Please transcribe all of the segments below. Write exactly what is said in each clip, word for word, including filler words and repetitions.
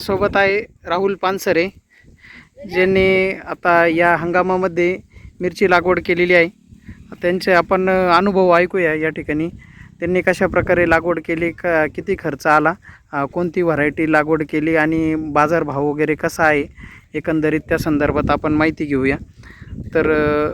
आपल्यासोबत आहे राहुल पानसरे, ज्यांनी आता या हंगामामध्ये मिरची लागवड केलेली आहे. त्यांचे आपण अनुभव ऐकूया या ठिकाणी. त्यांनी कशा प्रकारे लागवड केली, क किती खर्च आला, कोणती व्हरायटी लागवड केली आणि बाजारभाव वगैरे कसा आहे एकंदरीत त्या संदर्भात आपण माहिती घेऊया. तर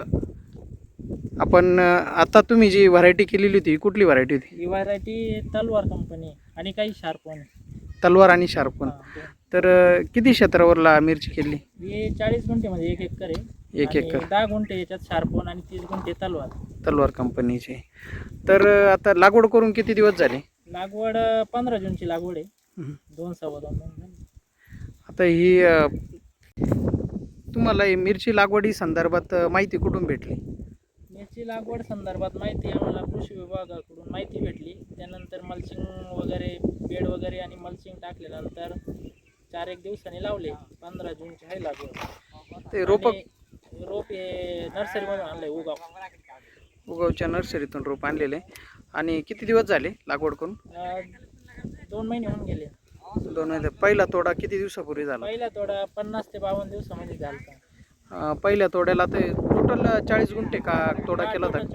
आपण आता तुम्ही जी व्हरायटी केलेली होती कुठली व्हरायटी होती? ही व्हरायटी तलवार कंपनी आणि काही शार्पन. तलवार आणि शार्पन. तर किती क्षेत्रावरला मिरची केली? हे चाळीस गुंठेमध्ये एक एकर आहे. एक एकर दहा गुंठे याच्यात शार्पन आणि तीस गुंठे तलवार. तलवार कंपनीचे. तर आता लागवड करून किती दिवस झाले? लागवड पंधरा जूनची लागवड आहे. दोन सव्वा दोन महिने. आता ही तुम्हाला ही मिरची लागवडी संदर्भात माहिती कुठून भेटली? मिरची लागवड संदर्भात माहिती आम्हाला कृषी विभागाकडून माहिती भेटली. त्यानंतर मल्चिंग वगैरे बेड वगैरे आणि मल्चिंग टाकल्यानंतर चार एक दिवसांनी लावले. पंधरा जूनची आहे लागवड. ते रोप रोप हे नर्सरीमधून आणलंय, उगाव उगावच्या नर्सरीतून रोप आणलेले. आणि किती दिवस झाले लागवड करून? दोन महिने होऊन गेले. दोन महिने. पहिला तोडा किती दिवसापूर्वी झाला? पहिला तोडा पन्नास ते बावन्न दिवसामध्ये झाला. पहिल्या तोड्याला ते टोटल चाळीस गुंठे का तोडा केला होता?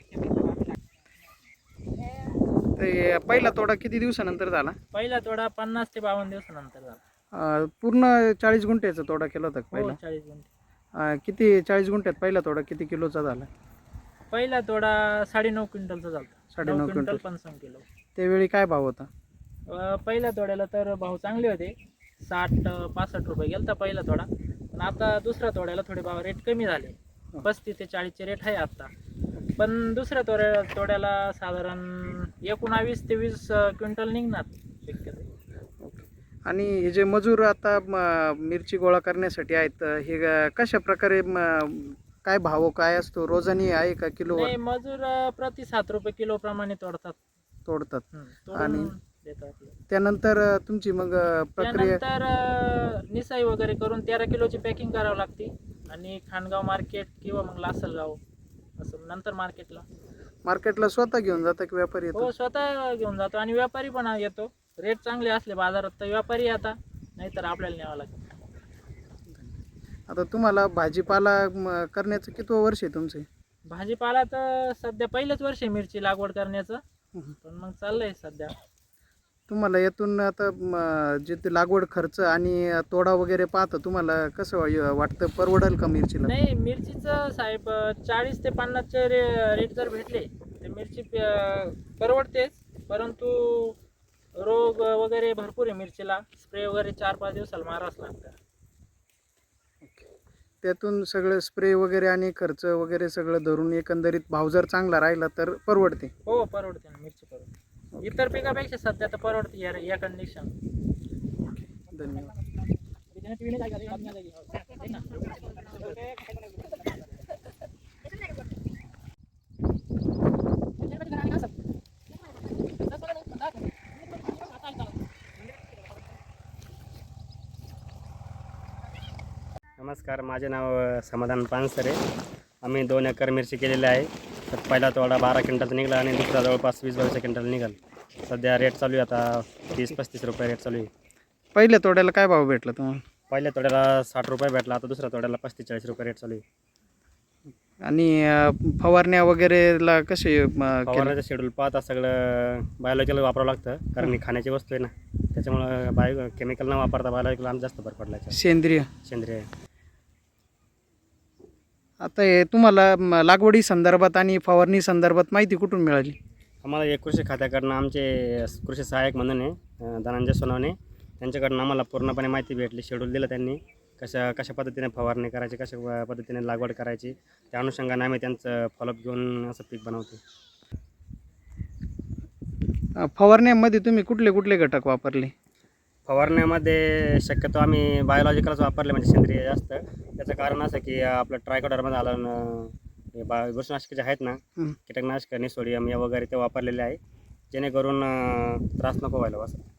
ते पहिला तोडा किती दिवसानंतर झाला? पहिला तोडा पन्नास ते बावन्न दिवसानंतर झाला. पूर्ण चाळीस गुंठ्याचा तोडा केला होता पहिला? चाळीस गुंठे. किती चाळीस गुंठ्यात पहिला तोडा किती किलोचा झाला? पहिला तोडा साडेनऊ क्विंटलचा झाला. साडेनऊ क्विंटल पंचावन्न किलो. त्यावेळी काय भाव होता? पहिल्या तोड्याला तर भाव चांगले होते. साठ पासष्ट रुपये गेलता पहिला तोडा. पण आता दुसऱ्या तोड्याला थोडे भाव रेट कमी झाले. पस्तीस ते चाळीसचे रेट आहे आता. पण दुसऱ्या तोड्या तोड्याला साधारण एकोणावीस ते वीस क्विंटल निघणार शक्यतो. आणि हे जे मजूर आता मिरची गोळा करण्यासाठी आहेत, हे कशा प्रकारे काय भाव काय असतो? रोजानी आहे का किलो? मजूर प्रति सात रुपये किलो प्रमाणे तोडतात तोडतात आणि देतात. त्यानंतर तुमची मग प्रक्रिया? त्यानंतर निसाई वगैरे करून तेरा किलोची पॅकिंग करावी लागते आणि खांडगाव मार्केट किंवा मग लासलगाव असं नंतर मार्केटला. मार्केटला स्वतः घेऊन जाता की व्यापारी येतो? हो, स्वतः घेऊन जातो आणि व्यापारी पण येतो. रेट चांगले असले बाजारात तर व्यापारी येतात, नाहीतर आपल्याला न्यावं लागतं. आता तुम्हाला भाजीपाला करण्याचं किती वर्ष आहे तुमचे? भाजीपाला तर सध्या पहिलंच वर्ष आहे मिरची लागवड करण्याचं. पण मग चाललंय सध्या. तुम्हाला यातून आता जे ते लागवड खर्च आणि तोडा वगैरे पाहतं तुम्हाला कसं वाटतं, परवडेल का मिरचीला? नाही, मिरचीचं साहेब चाळीस ते पन्नासचे रे रेट जर भेटले तर मिरची परवडतेच. परंतु रोग वगैरे भरपूर आहे मिरचीला. स्प्रे वगैरे चार पाच दिवसाला मारावंच लागतं. त्यातून सगळं स्प्रे वगैरे आणि खर्च वगैरे सगळं धरून एकंदरीत भाव जर चांगला राहिला तर परवडते? हो, परवडते ना, मिरची परवडते. इतर पिकापेक्षा सध्या तर परवडते या या कंडिशन. धन्यवाद. नमस्कार, माझे नाव समाधान पानसरे. आम्ही दोन एकर मिरची केलेली आहे. तर पहिला तोडा बारा क्विंटलचा निघाला आणि दुसरा जवळपास वीस बावीस क्विंटल निघाल. सध्या रेट चालू आहे आता तीस पस्तीस रुपये रेट चालू आहे. पहिल्या तोड्याला काय भाव भेटला तुम्हाला? पहिल्या तोड्याला साठ रुपये भेटला. आता दुसऱ्या तोड्याला पस्तीस चाळीस रुपये रेट चालू आहे. आणि फवारण्या वगैरेला कसे? फवारण्याचं शेड्यूल पाहता सगळं बायोलॉजिकल वापरावं लागतं, कारण ही खाण्याची वस्तू आहे ना. त्याच्यामुळं बायो केमिकल न वापरता बायोलॉजिकल आम जास्त भर पडला. सेंद्रिय सेंद्रिय. आता हे तुम्हाला लागवडी संदर्भात आणि फवारणी संदर्भात माहिती कुठून मिळाली? आम्हाला एक कृषी खात्याकडनं आमचे कृषी सहाय्यक म्हणून आहे धनंजय सोनवणे, त्यांच्याकडनं आम्हाला पूर्णपणे माहिती भेटली. शेड्यूल दिलं त्यांनी, कशा कशा पद्धतीने फवारणी करायची, कशा पद्धतीने लागवड करायची. त्या अनुषंगाने आम्ही त्यांचं फॉलोअप घेऊन असं पीक बनवतो. फवारण्यामध्ये तुम्ही कुठले कुठले घटक वापरले? फवारण्यामध्ये शक्यतो आम्ही बायोलॉजिकलच वापरले, म्हणजे सेंद्रिय जास्त. त्याचं कारण असं की आपलं ट्रायकोडर्मा झालं, बा बुरशीनाशके जे आहेत ना, कीटकनाशक निसोडियम या वगैरे ते वापरलेले आहे, जेणेकरून त्रास नको व्हायला असं.